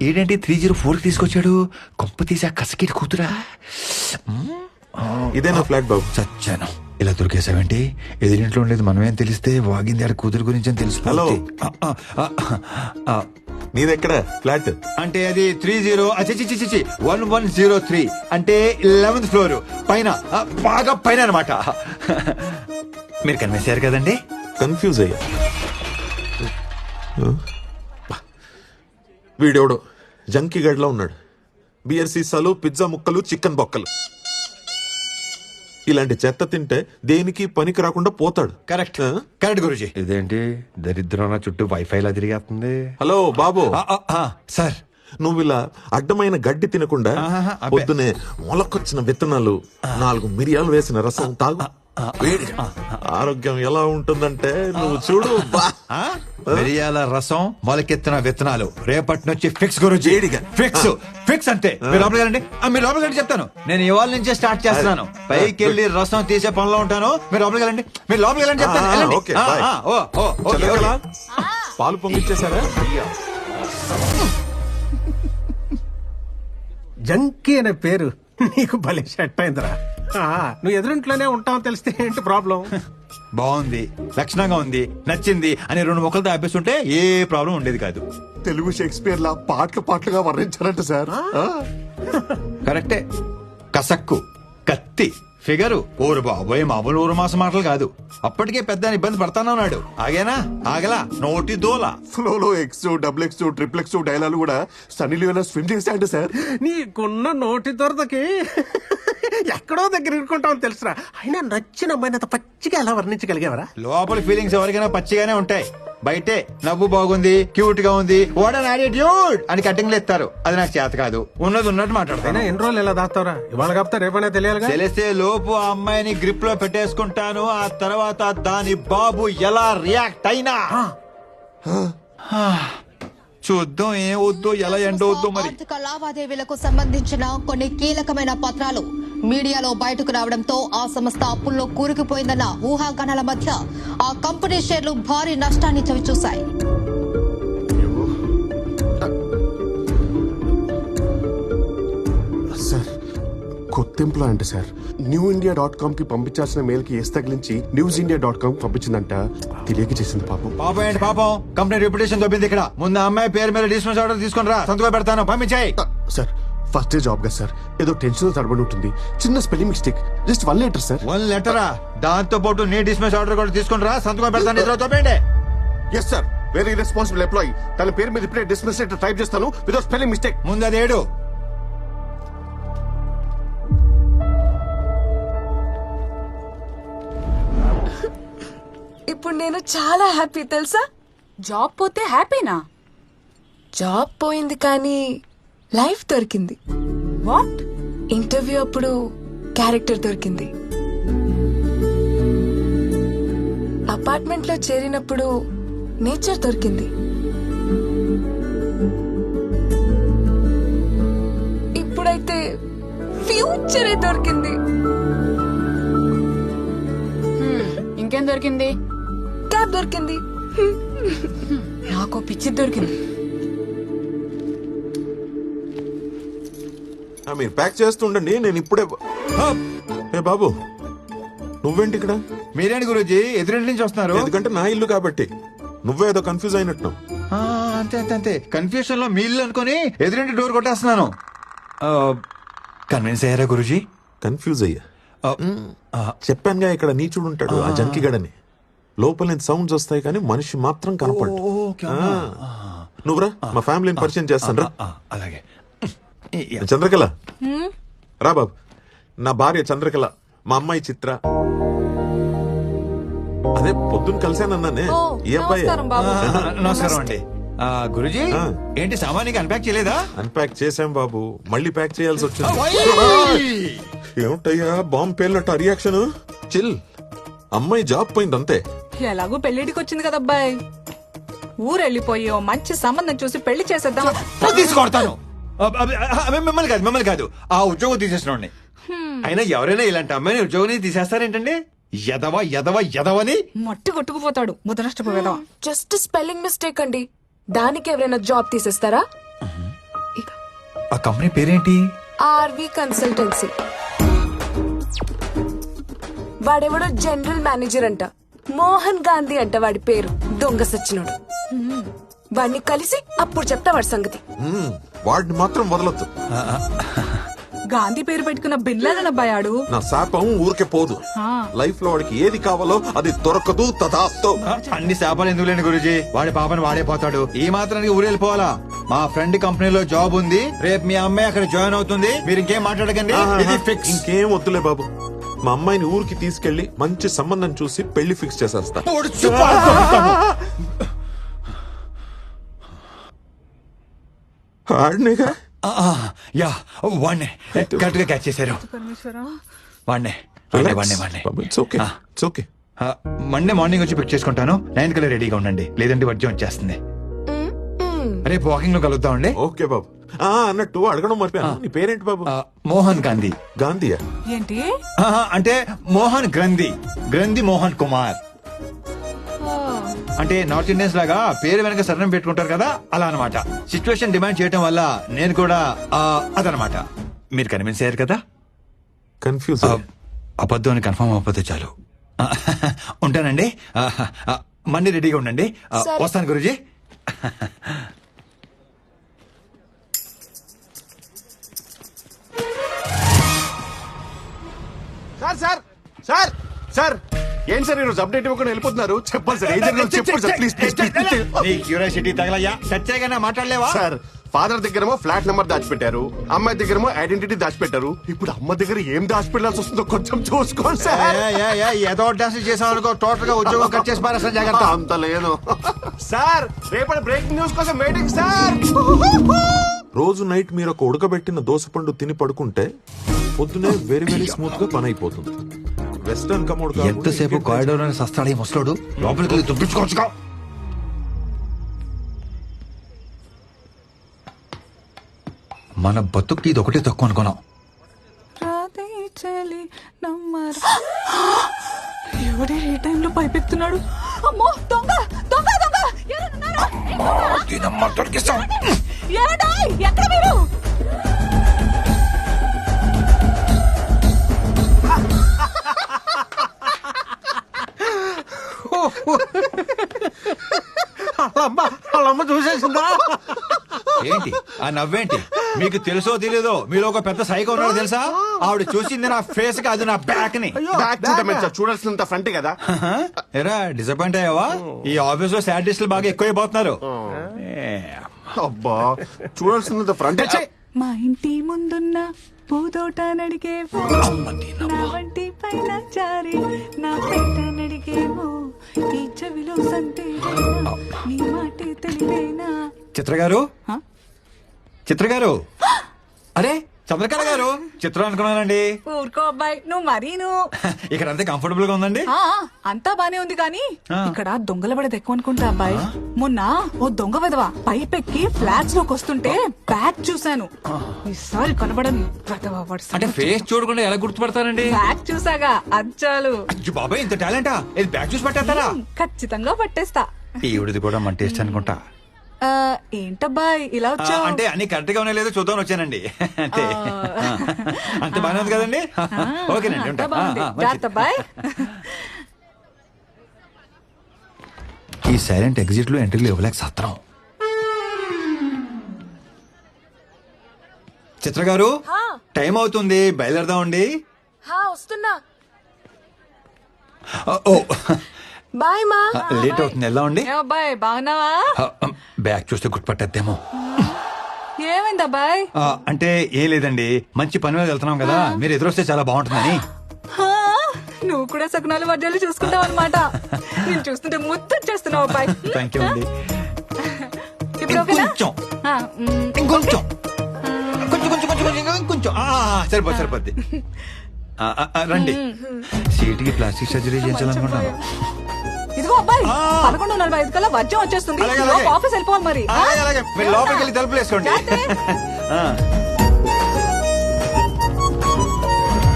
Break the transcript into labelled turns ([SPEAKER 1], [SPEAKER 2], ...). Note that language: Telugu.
[SPEAKER 1] ఏంటంటే 304 తీసుకొచ్చాడు. కొంప తీసి ఆ కసకిటి కూతురా.
[SPEAKER 2] ఇదేనా ఫ్లాట్ బాబు?
[SPEAKER 1] చచ్చాను. ఇలా దొరికేసావేంటి? ఎదురింట్లో ఉండేది మనమేం తెలిస్తే వాగింది ఆడ కూతురు గురించి అని తెలుసు.
[SPEAKER 2] హలో. నీదెక్కడ ఫ్లాట్?
[SPEAKER 1] అంటే అది 1103 అంటే 11th ఫ్లోర్ పైన, బాగా పైన అనమాట. మీరు కనిపించారు కదండి.
[SPEAKER 2] కన్ఫ్యూజ్ అయ్యా. వీడెవడో జంకీ గడ్లా ఉన్నాడు. బియర్ సీసాలు, పిజ్జా ముక్కలు, చికెన్ బొక్కలు. ఇలాంటి చెత్త తింటే దేనికి పనికి రాకుండా పోతాడు.
[SPEAKER 1] Correct correct guruji. ఇదేంటి దరిద్రం చుట్టూ వైఫై లా తిరిగేస్తుంది.
[SPEAKER 2] హలో బాబు.
[SPEAKER 1] సార్,
[SPEAKER 2] నువ్వు ఇలా అడ్డమైన గడ్డి తినకుండా పొద్దునే మొలకొచ్చిన విత్తనాలు, 4 మిరియాలు వేసిన రసం తాగు. వేడిగా ఆరోగ్యం ఎలా ఉంటుందంటే నువ్వు చూడు.
[SPEAKER 1] మిరియాల రసం, మొలకెత్తిన విత్తనాలు రేపటి నుంచి ఫిక్స్ గురుజీ. వేడిగా ఫిక్స్ ఫిక్స్ అంతే. మీరు లోపలికి వెళ్ళండి. మీరు లోపలికి వెళ్ళి చెప్తాను. నేను ఇవాళ నుంచే స్టార్ట్ చేస్తున్నాను. పైకి వెళ్ళి రసం తీసే పనిలో ఉంటాను. మీరు లోపలికి వెళ్ళండి. మీరు లోపలికి వెళ్ళండి చెప్తాను.
[SPEAKER 2] పాలు పొంగిచ్చేసారా?
[SPEAKER 3] జంకీ అనే పేరు నీకు భలే సెట్ అయిందిరా. నువ్వు ఎదురింట్లోనే ఉంటావు తెలిస్తే ఏంటి ప్రాబ్లం?
[SPEAKER 1] బాగుంది, లక్షణంగా ఉంది, నచ్చింది అని 2 మొక్కలతో ఆపేస్తుంటే ఏ ప్రాబ్లం ఉండేది కాదు.
[SPEAKER 4] తెలుగు షేక్స్పియర్ లా పాటలుగా వర్ణించారంట సార్.
[SPEAKER 1] కరెక్టే. కసక్కు, కత్తి, ఫిగరు, ఊరు బాబోయే మామూలు ఊరు మాస మాటలు కాదు. అప్పటికే పెద్ద ఇబ్బంది పడతానన్నాడు. ఆగేనా? ఆగలా. నోటి దోల.
[SPEAKER 4] ఫ్లోలో X, double X, triple X dialogue కూడా సన్నీ లియోనా స్విమ్ చేశాయంట సార్.
[SPEAKER 3] నీకున్న నోటి దొరదకి ఎక్కడో దగ్గర ఇరుకుంటావు తెలుసురా. అయినా నచ్చిన అమ్మాయిని అంత పచ్చిగా ఎలా వర్ణించగలిగేవరా?
[SPEAKER 1] లోపల ఫీలింగ్స్ ఎవరికైనా పచ్చిగానే ఉంటాయి. బయటే నవ్వు బాగుంది, క్యూట్ గా ఉంది, వాట్ అన్ యాటిట్యూడ్ అని కటింగ్లు ఎత్తారు. అది నాకు చేత కాదు. ఉన్నది ఉన్నట్టు మాట్లాడతాను.
[SPEAKER 3] ఎన్ని రోజులు ఎలా దాస్తావరా? ఇవాళ కాపుతా రేపనే తెలియాలి.
[SPEAKER 1] తెలిస్తే లోపు ఆ అమ్మాయిని గ్రిప్ లో పెట్టేసుకుంటాను. ఆ తర్వాత దాని బాబు ఎలా రియాక్ట్ అయినా చూద్దాం. ఏం వద్దో, ఎలా ఎండవద్దో మరి.
[SPEAKER 5] ఆర్థిక లావాదేవీలకు సంబంధించిన కొన్ని కీలకమైన పత్రాలు మీడియాలో బయటకు రావడంతో ఆ సంస్థ అప్పుల్లో కూరుకుపోయిందన్న ఊహాగానాల మధ్య ఆ కంపెనీ షేర్లు భారీ నష్టాన్ని చవిచూశాయి.
[SPEAKER 4] సార్ కొత్త ఎంప్లాయ్ సార్. newindia.com కి పంపించాల్సిన మెయిల్ కి ఎస్ తగిలించి newsindia.com పంపించిందంట. తెలియక చేసింది పాపం.
[SPEAKER 1] పాపం ఏంటి పాపం? కంపెనీ రెప్యుటేషన్ దొబ్బింది ఇక్కడ. ముందు అమ్మాయి పేరు మీద డిస్మిస్ ఆర్డర్ తీసుకుని రా, సంతకం పెడతాను. పంపించాయి.
[SPEAKER 4] సార్ ఫస్ట్ డే జాబ్ కదా సార్, ఏదో టెన్షన్ తడబడి ఉంటుంది. చిన్న spelling mistake, just 1 letter sir.
[SPEAKER 1] 1 లెటరా? దాంతో పాటు నీ డిస్మిస్ ఆర్డర్ కూడా తీసుకుని రా, సంతకం పెడతాను. ఇద్దరు తోపేండి.
[SPEAKER 4] Yes sir, very responsible employee. తన పేరు మీద ఇప్పుడే డిస్మిస్ లెటర్ టైప్ చేస్తాను వితౌట్ స్పెల్లింగ్ మిస్టేక్.
[SPEAKER 1] ముందు అది ఏడు.
[SPEAKER 6] ఇప్పుడు నేను చాలా హ్యాపీ తెలుసా.
[SPEAKER 7] జాబ్ పోతే హ్యాపీనా?
[SPEAKER 6] జాబ్ పోయింది కానీ లైఫ్ దొరికింది.
[SPEAKER 7] వాట్?
[SPEAKER 6] ఇంటర్వ్యూ అప్పుడు క్యారెక్టర్ దొరికింది. అపార్ట్మెంట్ లో చేరినప్పుడు నేచర్ దొరికింది. ఇప్పుడైతే ఫ్యూచరే దొరికింది.
[SPEAKER 7] ఇంకేం దొరికింది?
[SPEAKER 6] క్యాబ్ దొరికింది.
[SPEAKER 7] నాకు పిచ్చి దొరికింది.
[SPEAKER 2] మీరు ప్యాక్ చేస్తుండండి, నేను ఇప్పుడే. ఏ బాబు, నువ్వేంటి ఇక్కడ?
[SPEAKER 1] మీరేంటి గురూజీ ఎదురింటి నుంచి వస్తున్నారు?
[SPEAKER 2] ఎందుకంటే నా ఇల్లు కాబట్టి. నువ్వే ఏదో కన్ఫ్యూజ్ అయినట్టు.
[SPEAKER 1] అంతే అంతే అంతే. కన్ఫ్యూషన్ లో మీ ఇల్లు అనుకుని ఎదురింటి డోర్ కొట్టేస్తున్నాను. కన్విన్స్ అయ్యారా గురూజీ?
[SPEAKER 2] కన్ఫ్యూజ్ అయ్యా. చెప్పానుగా ఇక్కడ నీచుడు ఉంటాడు, ఆ జంకిగడని. లోపల నుంచి సౌండ్స్ వస్తాయి కానీ మనిషి మాత్రం కనపడు. నువ్వురా, మా ఫ్యామిలీని పరిచయం చేస్తాను రా.
[SPEAKER 1] అలాగే.
[SPEAKER 2] చంద్రకళ రా బాబు. నా భార్య చంద్రకళ, మా అమ్మాయి చిత్ర. అదే పొద్దున్న కలిసానన్నానే, ఈ అబ్బాయి.
[SPEAKER 1] నమస్కారం అండి. గురూజీ ఏంటి సామాన్యంగా అన్పాక్ చేయలేదా?
[SPEAKER 2] అన్పాక్ చేశాం బాబు, మళ్ళీ ప్యాక్ చేయాల్సి వచ్చింది. ఏమిటయ్యా బాంబు పేలినట్టు రియాక్షన్? చిల్. అమ్మాయి జాబ్ పోయింది అంతే.
[SPEAKER 7] ఎలాగో పెళ్లిడికి వచ్చింది కదా అబ్బాయి. ఊరెళ్ళిపోయి ఓ మంచి సంబంధం చూసి పెళ్లి చేసేద్దాం.
[SPEAKER 1] తీసుకొడతాను. మిమ్మల్ని కాదు ఆ ఉద్యోగం తీసేసిన. అయినా ఎవరైనా ఇలాంటి అమ్మాయిని ఉద్యోగం తీసేస్తారేంటండి? ఎదవని
[SPEAKER 7] మట్టి కొట్టుకుపోతాడు ముదనష్టపోయేదా.
[SPEAKER 6] జస్ట్ స్పెల్లింగ్ మిస్టేక్ అండి, దానికి ఎవరైనా జాబ్ తీసేస్తారా?
[SPEAKER 1] ఆ కంపెనీ పేరేంటి?
[SPEAKER 6] R V consultancy. వాడెవడో జనరల్ మేనేజర్ అంట, మోహన్ గాంధీ అంట వాడి పేరు. దొంగ సచ్చినోడు. వాడిని కలిసి అప్పుడు చెప్తా వాడి సంగతి.
[SPEAKER 2] వాడిని మాత్రం వదలొద్దు.
[SPEAKER 7] గాంధీ పేరు పెట్టుకున్న బిన్లాదన్ అబ్బాయి ఆడు.
[SPEAKER 2] నా శాపం ఊరికే పోదు. లైఫ్ లో వాడికి ఏది కావాలో అది దొరకదు. తదాస్తు.
[SPEAKER 1] అన్ని శాపాలు ఎందుకు లేని గురుజీ, వాడి పాపని వాడే పోతాడు. ఈ మాత్రానికి ఊరెళ్ళిపోవాలా? మా ఫ్రెండ్ కంపెనీలో జాబ్ ఉంది, రేపు మీ అమ్మాయి అక్కడ జాయిన్ అవుతుంది. మీరు ఇంకేం మాట్లాడకండి, ఇది ఫిక్స్.
[SPEAKER 2] ఇంకేం వద్దులే బాబు. మా అమ్మాయిని ఊరికి తీసుకెళ్లి మంచి సంబంధం చూసి పెళ్లి ఫిక్స్ చేసేస్తా. ఆడినేగా.
[SPEAKER 1] యా, వాడినే కరెక్ట్ గా క్యాచ్ చేశారు. వాడినే
[SPEAKER 2] it's okay, it's okay.
[SPEAKER 1] Monday morning వచ్చి పిక్ చేసుకుంటాను. 9 కల్లా రెడీగా ఉండండి, లేదంటే వర్జం వచ్చేస్తుంది. రేపు వాకింగ్ లో కలుద్దామండి.
[SPEAKER 2] ఓకే బాబు. అన్నట్టు అడగడం మర్చిపోయాను, నీ పేరేంటి బాబు?
[SPEAKER 1] మోహన్ గాంధీ.
[SPEAKER 2] గాంధీయా?
[SPEAKER 7] ఏంటి?
[SPEAKER 1] అంటే మోహన్ గ్రంథి, గ్రంథి మోహన్ కుమార్. అంటే నార్త్ ఇండియన్స్ లాగా పేరు వెనక సరణం పెట్టుకుంటారు కదా, అలా అన్నమాట. సిచ్యువేషన్ డిమాండ్ చేయటం వల్ల నేను కూడా అదనమాట. మీరు కన్విన్స్ అయ్యారు కదా?
[SPEAKER 2] కన్ఫ్యూజ్.
[SPEAKER 1] అబద్ధం అని కన్ఫర్మ్ అవ్వకపోతే చాలు. ఉంటానండి. మండి రెడీగా ఉండండి. వస్తాను guruji.
[SPEAKER 4] Sir sir sir sir ఏంటి సార్ ఈరోజు అప్డేట్ ఇవ్వకుండా వెళ్ళిపోతున్నారు? చెప్పండి సార్, ఏం జరిగిందో చెప్పండి సార్, ప్లీజ్ ప్లీజ్ ప్లీజ్.
[SPEAKER 1] నీ క్యూరియాసిటీ తగలయ్యా, సత్యాగా మాట్లాడలేవా?
[SPEAKER 4] సార్, ఫాదర్ దగ్గరేమో ఫ్లాట్ నెంబర్ దాచిపెట్టారు, అమ్మాయి దగ్గరేమో ఐడెంటిటీ దాచిపెట్టారు. ఇప్పుడు అమ్మ దగ్గర ఏం దాచిపెట్టాల్సి వస్తుందో కొంచెం చూసుకోండి సార్.
[SPEAKER 1] ఏదో డాన్స్ చేసావు అనుకో, టోటల్ గా ఉద్యోగం కట్ చేసి పారేస్తా, జాగ్రత్త.
[SPEAKER 4] అంత లేదు సార్. రేపటి బ్రేకింగ్ న్యూస్ కోసం వెయిటింగ్ సార్.
[SPEAKER 2] రోజు నైట్ మీరు ఒక ఉడకబెట్టిన దోసపండు తిని పడుకుంటే పొద్దునే వెరీ వెరీ స్మూత్ గా పని అయిపోతుంది. వెస్టర్న్ కమోడ్
[SPEAKER 1] ఎంతసేపు కారిడోర్ అని సస్తాడు ఈ ముసలోడు, లోపలికి వెళ్ళి దుబ్బించుకోవచ్చుగా. మన బతుక్కి ఇది ఒకటే తక్కువ అనుకున్నాం.
[SPEAKER 7] ఎవడే ఏ టైంలో పైపెత్తున్నాడు? అమ్మో, దొంగ దొంగ దొంగ! ఏమండోయ్, ఎక్కడ మీరు?
[SPEAKER 3] వాళ్ళమ్మ చూసేసిందా?
[SPEAKER 1] ఏంటి ఆ నవ్వేంటి? మీకు తెలుసో తెలీదో మీలో ఒక పెద్ద సైకో ఉన్నాడు తెలుసా? ఆవిడ చూసింది నా ఫేస్ కి, అది నా బ్యాక్ ని.
[SPEAKER 4] బ్యాక్ చూడమే సార్, చూడాల్సినంత ఫ్రంట్ కదా.
[SPEAKER 1] ఎరా డిసప్పాయింట్ అయ్యావా? ఈ ఆఫీస్ లో సాడిస్టులు బాగా ఎక్కువైపోతున్నారు.
[SPEAKER 4] అబ్బా, చూడాల్సినంత ఫ్రంట్.
[SPEAKER 7] మా ఇంటి ముందున్న పూదోట నడిగేవో, నా వంటి పైన జారి నా పేట నడిగేవో, ఈ చెవిలో సంతేనా నీ మాటే తెలివేనా?
[SPEAKER 1] చిత్ర గారు, చిత్ర గారు, అరే చంద్రకళ గారు, చిత్రం అనుకున్నానండి.
[SPEAKER 7] ఊరుకో అబ్బాయి, నువ్వు మరీను.
[SPEAKER 1] ఇక్కడ అంతే కంఫర్టబుల్ గా ఉందండి.
[SPEAKER 7] అంతా బానే ఉంది కానీ ఇక్కడ దొంగల పడేది ఎక్కువ అనుకుంటా అబ్బాయి. మొన్న ఓ దొంగ విధవ పైపెక్కి ఫ్లాట్స్ లోకి వస్తుంటే బ్యాగ్ చూశాను. ఈసారి కనబడని
[SPEAKER 1] అంటే ఫేస్ చూడకుండా ఎలా గుర్తుపడతానండి?
[SPEAKER 7] బ్యాగ్ చూసాగా అచ్చాలు.
[SPEAKER 1] అయ్యో బాబాయ్, ఇంత టాలెంటా? ఇది బ్యాగ్ చూసి పట్టేస్తారా?
[SPEAKER 7] ఖచ్చితంగా పట్టేస్తా.
[SPEAKER 1] ఈవిడిది కూడా మన టేస్ట్ అనుకుంటా.
[SPEAKER 7] ఏంటబ్బాయి ఇలా వచ్చావు?
[SPEAKER 1] అంటే అన్ని కరెక్ట్ గా ఉన్నాయి లేదో చూద్దాం వచ్చానండి. అంతే. అంత బాగానే ఉంది కదండి? ఓకేనండి, ఉంటా.
[SPEAKER 7] అబ్బాయి,
[SPEAKER 1] ఈ సైలెంట్ ఎగ్జిట్ లో ఎంట్రీలు ఇవ్వలేక సత్రం. చిత్ర గారు, టైం అవుతుంది, బయలుదేరదామండి.
[SPEAKER 6] వస్తున్నా.
[SPEAKER 1] ఓ
[SPEAKER 6] బాయ్ మా.
[SPEAKER 1] లేట్ అవుతుంది, వెళ్దామండి.
[SPEAKER 7] అబ్బాయి బాగున్నావా?
[SPEAKER 1] బ్యాగ్ చూస్తే గుర్తుపట్టేద్దేమో.
[SPEAKER 7] ఏమైంది అబ్బాయి?
[SPEAKER 1] అంటే ఏం లేదండి, మంచి పని మీద వెళ్తున్నాం కదా, మీరు ఎదురొస్తే చాలా బాగుంటుందని.
[SPEAKER 7] నువ్వు కూడా సకునాలు వడ్డాలు చూసుకుంటావు అనమాట. నేను చూస్తుంటే ముద్దొచ్చేస్తున్నావు అబ్బాయి.
[SPEAKER 1] థ్యాంక్ యూ అండి.
[SPEAKER 7] ఇప్పుడు ఓకేనా?
[SPEAKER 1] ఇంకొంచెం కొంచెం సరిపోద్ది. రండి. సీటుకి ప్లాస్టిక్ సర్జరీ చేయించాలనుకుంటున్నాను.
[SPEAKER 7] ఇదిగో అబ్బాయి, 11:45 కల్లా వర్జం వచ్చేస్తుంది. ఆఫీస్ వెళ్ళిపోవాలి మరి.
[SPEAKER 1] లోపలికి వెళ్ళి తలుపులు వేసుకోండి.